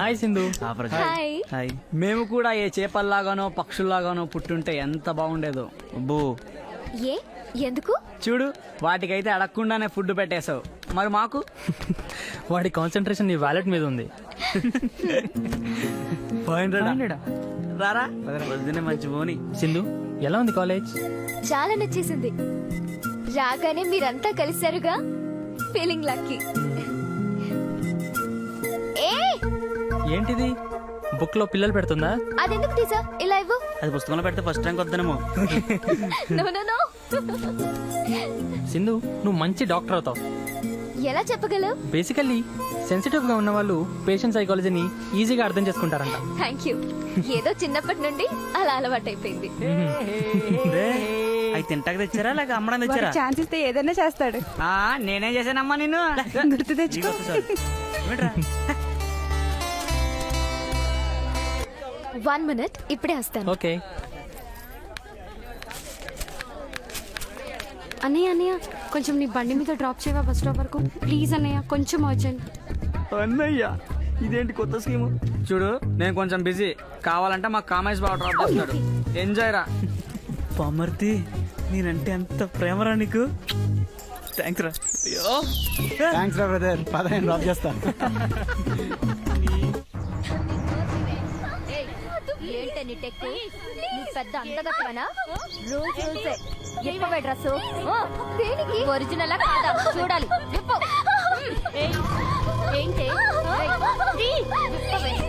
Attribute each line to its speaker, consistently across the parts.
Speaker 1: Hi Sindhu.
Speaker 2: Hi.
Speaker 3: Hi.
Speaker 4: మేము కూడా ఏ చేపల్లాగానో పక్షుల్లాగానో పుట్టుంటే ఎంత బాగుండేదో.
Speaker 3: అబ్బో
Speaker 2: ఏ ఎందుకు?
Speaker 4: చూడు, వాటికైతే అడగకుండానే ఫుడ్ పెట్టేశావు, మరి మాకు?
Speaker 1: వాడి కాన్సన్ట్రేషన్ నీ వ్యాలెట్ మీద ఉంది.
Speaker 4: రారా.
Speaker 3: వద్దునే మంచి పోని.
Speaker 1: సింధు, ఎలా ఉంది కాలేజ్?
Speaker 2: చాలా నచ్చేసింది. రాగానే మీరంతా కలిశారుగా, ఫీలింగ్ లక్కీ. ఏ
Speaker 1: ఏంటిది, బుక్ లో పిల్లలు పెడుతుందా?
Speaker 2: అదెందుకు తీసా? ఇలా ఇవ్వు.
Speaker 3: అది పుస్తకంలో పెడితే ఫస్ట్ ర్యాంక్ వద్దనేమో.
Speaker 2: No no no.
Speaker 1: సింధు, నువ్వు మంచి డాక్టర్ అవుతావు.
Speaker 2: ఎలా చెప్పగలవు?
Speaker 1: బేసికల్లీ సెన్సిటివ్ గా ఉన్న వాళ్ళు పేషెంట్ సైకాలజీని ఈజీగా అర్థం చేసుకుంటారంట.
Speaker 2: Thank you. ఏదో చిన్నప్పటి నుండి అలా అలవాటైపోయింది.
Speaker 3: అవి తింటాక తెచ్చారా లేక అమ్మడం తెచ్చారా?
Speaker 5: ఛాన్స్ ఇస్తే ఏదైనా చేస్తాడు.
Speaker 4: నేనేం చేశానమ్మా నిన్ను?
Speaker 5: గుర్తు తెచ్చుకో.
Speaker 2: వన్ మినిట్, ఇప్పుడే వస్తాను.
Speaker 1: ఓకే.
Speaker 5: అన్నయ్య అన్నయ్య, కొంచెం నీ బండి మీద డ్రాప్ చేయవా బస్ స్టాప్ వరకు ప్లీజ్ అన్నయ్య, కొంచెం అర్జెంట్.
Speaker 4: అన్నయ్య, ఇదేంటి కొత్త స్కీము? చూడు, నేను కొంచెం బిజీ, కావాలంటే మా కామేష్ బాబు డ్రాప్ చేస్తాడు. ఎంజాయ్ రా.
Speaker 3: పామర్తి, నేనంటే ఎంత ప్రేమరా నీకు. థ్యాంక్స్ రా.
Speaker 4: థ్యాంక్స్ రా బ్రదర్, పదహైదు డ్రాప్ చేస్తాను.
Speaker 2: ఏంటని టెక్కు? నీ పెద్ద అందగత్తవనా? రూల్స్ రూల్సే. ఇప్పవే డ్రెస్. దేనికి? ఒరిజినల్ కాదా చూడాలి. విప్పు. ఏంటి? విప్పవే.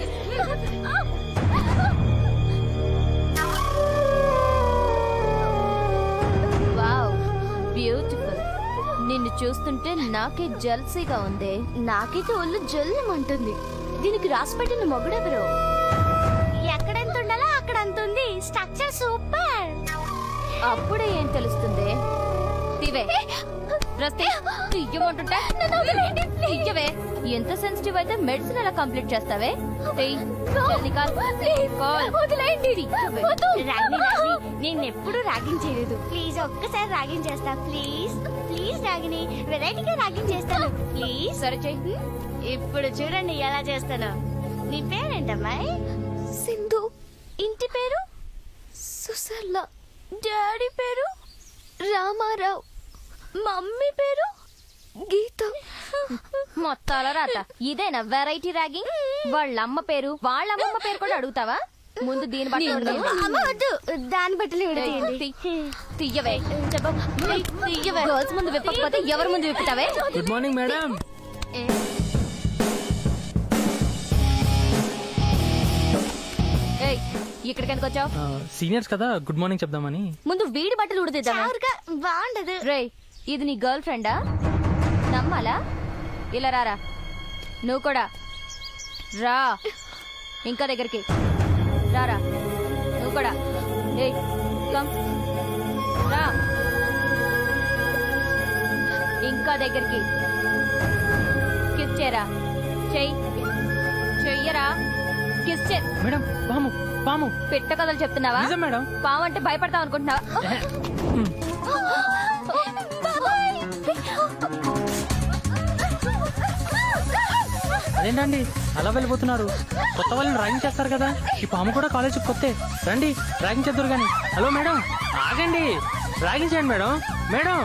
Speaker 2: Wow, beautiful. నిన్ను చూస్తుంటే నాకే జల్సీగా ఉంది. నాకైతే ఒళ్ళు జల్లుమంటుంది. దీనికి రాసి పెట్టిన మొగుడెవరు? ఎక్కడెంత ఉండాలో అక్కడ అంత ఉంది. Structure super. అప్పుడే ఏం తెలుస్తుంది? తీవే రస్తే తీయమంటుంటే తీయవే. ఎంత సెన్సిటివ్ అయితే మెడిసిన్ ఎలా కంప్లీట్ చేస్తావే?
Speaker 6: నేను ఎప్పుడు ర్యాగింగ్ చేయలేదు. ప్లీజ్ ఒక్కసారి ర్యాగింగ్ చేస్తా. ప్లీజ్ ప్లీజ్ రాగిని, వెరైటీగా ర్యాగింగ్ చేస్తాను. ప్లీజ్
Speaker 2: సరే చెయ్యి.
Speaker 6: ఇప్పుడు చూడండి ఎలా చేస్తాను. నీ పేరేంటమ్మాయి?
Speaker 2: సింధు. ఇంటి పేరు సుసర్ల. డాడీ పేరు రామారావు. మమ్మీ పేరు గీత. మొత్తాల రాత ఇదేనా వెరైటీ ర్యాగింగ్? వాళ్ళ అమ్మ పేరు వాళ్ళ అమ్మమ్మ పేరు కూడా అడుగుతావా? ముందు దీని బట్టి
Speaker 6: అమ్మ వద్దు, దాన్ని బట్టలు
Speaker 2: తీయవే. తీయవే. గర్ల్స్ ముందు విప్పకపోతే ఎవరి ముందు విప్పుతావే?
Speaker 1: Good morning madam.
Speaker 2: ఇక్కడికి ఎందుకు వచ్చావు?
Speaker 1: సీనియర్స్ కదా, గుడ్ మార్నింగ్ చెప్దామని.
Speaker 2: ముందు వీడి బట్టలు ఉడిదిద్దామా?
Speaker 6: బాగుండదు.
Speaker 2: రే, ఇది నీ గర్ల్ ఫ్రెండా? నమ్మాలా? ఇలా రారా. నువ్వు కూడా రా. ఇంకా దగ్గరికి రారా. నువ్వు కూడా. ఏయ్ కమ్ రా. ఇంకా దగ్గరికి. కిస్ చేయరా. చెయ్యరా. కిస్ చే.
Speaker 1: మేడం, పాము పాము.
Speaker 2: పెట్ట కథలు చెప్తున్నావా?
Speaker 1: నిజం మేడం.
Speaker 2: పాము అంటే భయపడతావు అనుకుంటున్నావా?
Speaker 1: అదేంటండి అలా వెళ్ళిపోతున్నారు? కొత్త వాళ్ళని ర్యాగింగ్ చేస్తారు కదా. ఈ పాము కూడా కాలేజ్ కొత్తే. రండి ర్యాగింగ్ చేద్దరు కానీ. హలో మేడం, ఆగండి. ర్యాగింగ్ చేయండి మేడం. మేడం.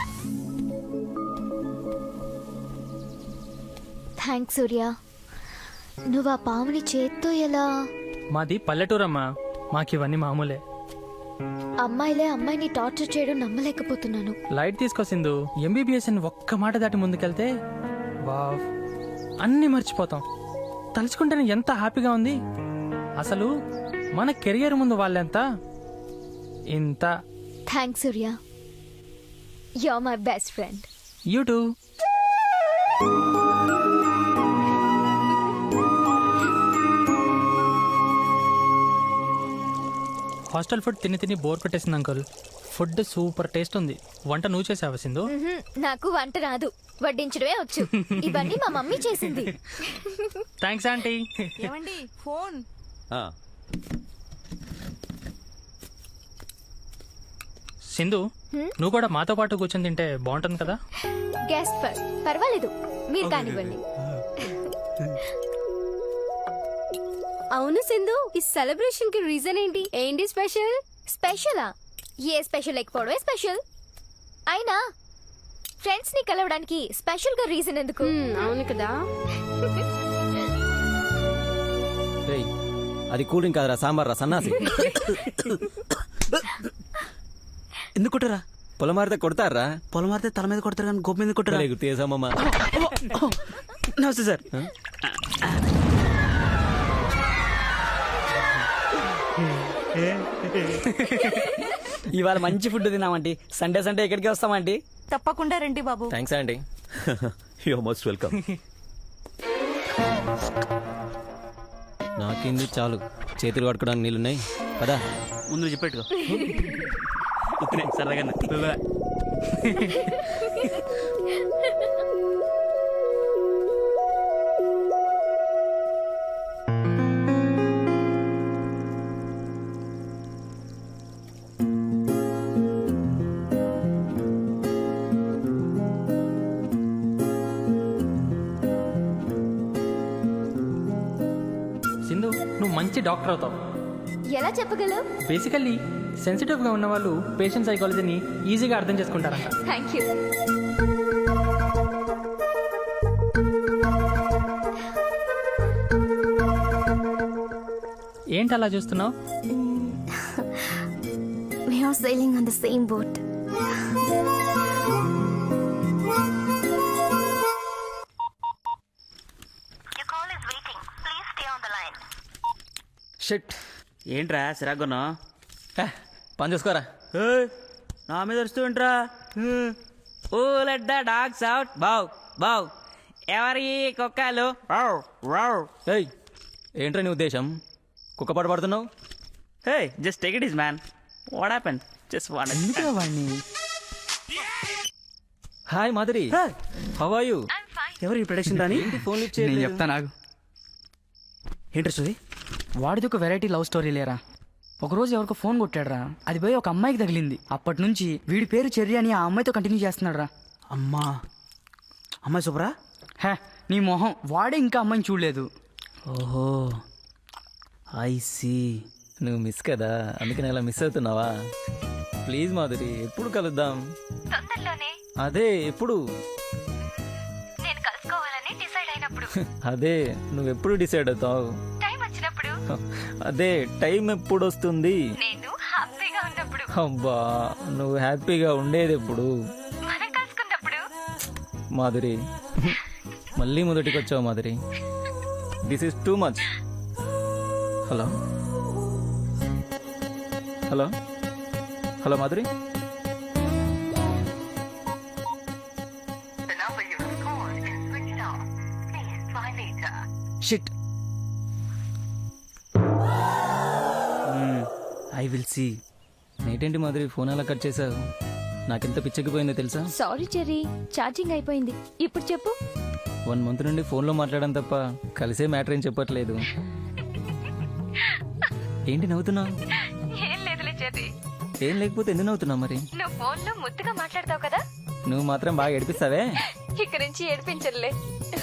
Speaker 2: థ్యాంక్స్ సూర్య. నువ్వు ఆ పాముని చేత్తో ఎలా?
Speaker 1: మాది పల్లెటూరమ్మా, మాకు ఇవన్నీ మామూలే.
Speaker 2: అమ్మాయిలే అమ్మాయిని టార్చర్ చేయడం నమ్మలేకపోతున్నాను.
Speaker 1: లైట్ తీసుకో సింధు. ఎంబీబీఎస్ అని ఒక్క మాట దాటి ముందుకెళ్తే వావ్, అన్నీ మర్చిపోతాం. తలుచుకుంటేనే ఎంత హ్యాపీగా ఉంది. అసలు మన కెరియర్ ముందు వాళ్ళెంత ఇంత.
Speaker 2: Thanks Surya. You are my best friend.
Speaker 1: You too. Hostel food తిని తిని బోర్ పెట్టేసింది అంకుల్. ఫుడ్ సూపర్ టేస్ట్ ఉంది. వంట నువ్వు చేసావా సింధు?
Speaker 2: నాకు వంట రాదు, వడ్డించడమే వచ్చు. ఇవన్నీ మా మమ్మీ చేసింది.
Speaker 1: Thanks aunty.
Speaker 5: ఏమండి ఫోన్?
Speaker 1: సింధు, నువ్వు కూడా మాతో పాటు కూర్చొని తింటే బాగుంటుంది కదా.
Speaker 2: గెస్ట్ పర్వాలేదు, మీరు కానివ్వండి.
Speaker 5: అవును సింధు, ఈ సెలబ్రేషన్ కి రీజన్ ఏంటి? ఏంటి స్పెషల్?
Speaker 2: స్పెషలా? ఏ స్పెషల్ లేకపోవడమే స్పెషల్. అయినా ఫ్రెండ్స్ ని కలవడానికి స్పెషల్ గా రీజన్ ఎందుకు?
Speaker 5: అవును కదా.
Speaker 7: రేయ్, అది కూల్ డ్రింక్ కాదురా, సాంబార్ రా సన్నాసి.
Speaker 3: ఎందుకు కొట్టరా?
Speaker 7: పొలం మారితే కొడతారా?
Speaker 3: పొలం మారితే తల మీద కొడతారు కానీ గోపు మీద కొట్టరా?
Speaker 7: గుర్తు చేసామమ్మా.
Speaker 3: నమస్తే సార్.
Speaker 4: ఇవాళ మంచి ఫుడ్ తిన్నామంటీ. సండే సండే ఎక్కడికి వస్తామంటీ?
Speaker 8: తప్పకుండా రండి బాబు.
Speaker 7: థ్యాంక్స్ అండి. You most welcome. నాకింది చాలు, చేతులు కట్టుకోవడానికి నీళ్ళున్నాయి పదా.
Speaker 3: ముందు చెప్పెట్టుకో. సరదాగా
Speaker 1: సింధు, నువ్వు మంచి డాక్టర్ అవుతావు.
Speaker 2: ఎలా చెప్పగలవు?
Speaker 1: బేసికల్లీ సెన్సిటివ్ గా ఉన్న వాళ్ళు పేషెంట్ సైకాలజీని ఈజీగా అర్థం చేసుకుంటారంట.
Speaker 2: Thank you.
Speaker 1: ఏంటి అలా చూస్తున్నావు?
Speaker 2: We are sailing on the same boat.
Speaker 3: Shit. ఏంట్రా సిరాగున్నా?
Speaker 7: పని చూసుకోరా.
Speaker 3: నా మీద వస్తూ ఏంట్రా? Who let the dogs out. బావ్ బావ్. ఎవరి కుక్కలు? Wow wow.
Speaker 7: ఏయ్, ఏంట్రా నీ ఉద్దేశం? కుక్క పాట పడుతున్నావు?
Speaker 3: Hey, just take it easy man. What happen? Just what.
Speaker 4: వాడిని
Speaker 7: hi Madhuri, how are you?
Speaker 3: ఎవరు ఈ ప్రొడక్షన్ రాని?
Speaker 7: ఫోన్ లిఫ్ట్
Speaker 4: నేను
Speaker 7: చేయలేదు.
Speaker 4: చెప్తా నాకు.
Speaker 3: ఏంట్రా సుది?
Speaker 4: వాడిది ఒక వెరైటీ లవ్ స్టోరీ లేరా. ఒకరోజు ఎవరికో ఫోన్ కొట్టాడురా, అది పోయి ఒక అమ్మాయికి తగిలింది. అప్పటి నుంచి వీడి పేరు చెర్రి అని ఆ అమ్మాయితో కంటిన్యూ చేస్తున్నాడు రా.
Speaker 3: అమ్మా, అమ్మాయి సూపరా?
Speaker 4: హే, నీ మొహం, వాడే ఇంకా అమ్మాయిని చూడలేదు.
Speaker 3: ఓహో, ఐ సీ.
Speaker 7: నువ్వు మిస్ కదా, అందుకని అలా మిస్ అవుతున్నావా? ప్లీజ్ మాధురి, ఎప్పుడు కలుద్దాం?
Speaker 2: తొందరలోనే.
Speaker 7: అదే ఎప్పుడు?
Speaker 2: నేను కలుసుకోవాలని డిసైడ్ అయినప్పుడు.
Speaker 7: అదే నువ్వెప్పుడు డిసైడ్ అవుతావు?
Speaker 2: టైం వచ్చినప్పుడు.
Speaker 7: అదే టైం ఎప్పుడు వస్తుంది?
Speaker 2: నేను హ్యాపీగా ఉన్నప్పుడు.
Speaker 7: అబ్బా, నువ్వు హ్యాపీగా ఉండేది ఎప్పుడు?
Speaker 2: మనం కలుసుకున్నప్పుడు.
Speaker 7: మాధురి, మళ్ళీ మొదటికి వచ్చావు Madhuri. This is too much. Hello hello hello Madhuri.
Speaker 3: Shit. I will see.
Speaker 7: నేటేంటి మాధురి ఫోన్ అలా కట్ చేసావు? నాకెంత పిచ్చెక్కిపోయిందో తెలుసా?
Speaker 2: సారీ చెర్రీ, ఛార్జింగ్ అయిపోయింది. ఇప్పుడు చెప్పు.
Speaker 7: 1 మంత్ నుండి ఫోన్లో మాట్లాడడం తప్ప కలిసే మ్యాటర్ ఏం చెప్పట్లేదు. ఏంటి నవ్వుతున్నావు?
Speaker 2: ఏం లేదులే చెర్రీ.
Speaker 7: ఏం లేకపోతే ఎందుకు నవ్వుతున్నావు మరి?
Speaker 2: నువ్వు ఫోన్ లో ముద్దుగా మాట్లాడతావు కదా,
Speaker 7: నువ్వు మాత్రం బాగా ఏడిపిస్తావే.
Speaker 2: ఇక్కడి నుంచి ఏడిపించలే.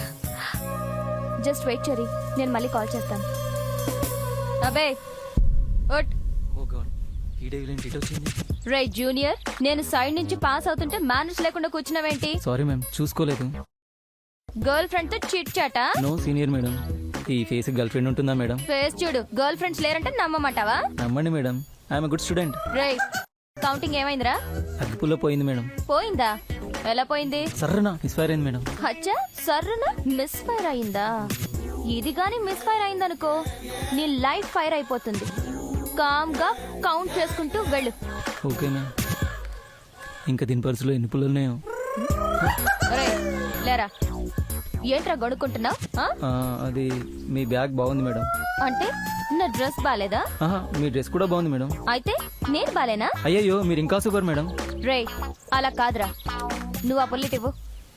Speaker 2: జస్ట్ వెయిట్ చెర్రీ, నేను మళ్ళీ కాల్ చేస్తాను. అబే ఒట్.
Speaker 7: ఓ గాడ్, ఈ డేవిల్ ఏంటి ఇటు వచ్చింది?
Speaker 2: రే జూనియర్, నేను సైడ్ నుంచి పాస్ అవుతుంటే మేనేజ్ లేకుండా కూర్చున్నావేంటి?
Speaker 7: సారీ మ్యామ్, చూసుకోలేదు.
Speaker 2: గర్ల్ ఫ్రెండ్ తో చిట్ చాటా?
Speaker 7: No senior madam. ఈ ఫేస్ గర్ల్ ఫ్రెండ్ ఉంటుందా మేడం?
Speaker 2: ఫేస్ చూడు, గర్ల్ ఫ్రెండ్స్ లేరంటే నమ్మమంటావా?
Speaker 7: నమ్మండి మేడం, ఐఎమ్ గుడ్ స్టూడెంట్.
Speaker 2: రే కౌంటింగ్ ఏమైందిరా?
Speaker 7: అగ్గిపుల్లో పోయింది మేడం.
Speaker 2: పోయిందా? ఎలా పోయింది?
Speaker 7: సర్రనా మిస్ఫైర్ అయింది మేడం.
Speaker 2: అచ్చా, సర్రున మిస్ ఫైర్ అయిందా? ఇది గాని మిస్ ఫైర్ అయిందనుకో, నీ లైఫ్ ఫైర్ అయిపోతుంది. కామ్ గా కౌంట్ చేసుకుంటూ వెళ్ళు.
Speaker 7: Okay ma'am. ఇంకా దీని పర్సులో ఎన్ని పుల్లలు ఉన్నాయో?
Speaker 2: రే లేరా, ఏంట్రా గడుక్కుంటున్నావు?
Speaker 7: అది మీ బ్యాగ్ బాగుంది మేడం.
Speaker 2: అంటే నా డ్రెస్ బాలేదా?
Speaker 7: ఆహా, మీ డ్రెస్ కూడా బాగుంది మేడం.
Speaker 2: అయితే నేను బాలేనా?
Speaker 7: అయ్యయ్యో, మీరు ఇంకా సూపర్ మేడం.
Speaker 2: రే అలా కాదురా, నువ్వు ఆ బుల్లెట్ ఇవ్వు.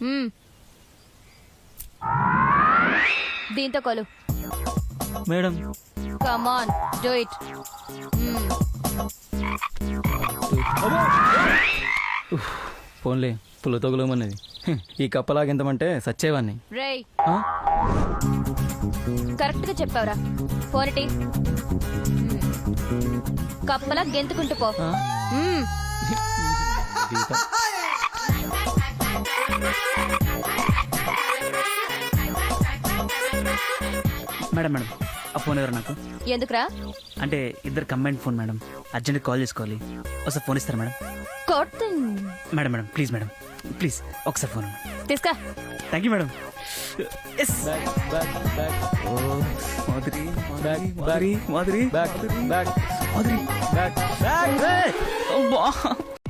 Speaker 2: దీంతో కొలు.
Speaker 7: Madam
Speaker 2: come on, do it.
Speaker 7: ఫోన్లే, పుల్ల తగులమన్నది. ఈ కప్పలాగెంతమంటే సచ్చేవాన్ని.
Speaker 2: రే
Speaker 7: ఆ?
Speaker 2: కరెక్ట్ గా చెప్పావురా ఫోనిటి కప్పలా గెంతుకుంటూ పో మ్మ్.
Speaker 7: దీపం.
Speaker 3: మేడం మేడం ఆ ఫోన్ ఎవరు నాకు
Speaker 2: ఎందుకురా
Speaker 3: అంటే ఇద్దరు combine phone madam urgent call చేసుకోవాలి ఒకసారి ఫోన్ ఇస్తారా మేడం
Speaker 2: కొట్టు
Speaker 3: madam madam please madam please ఒకసారి ఫోన్
Speaker 2: తీసుకా
Speaker 3: thank you madam yes
Speaker 7: back back
Speaker 3: oh Madhuri
Speaker 7: back
Speaker 3: Madhuri Madhuri
Speaker 7: back back
Speaker 3: Madhuri
Speaker 7: back back
Speaker 3: అబ్బా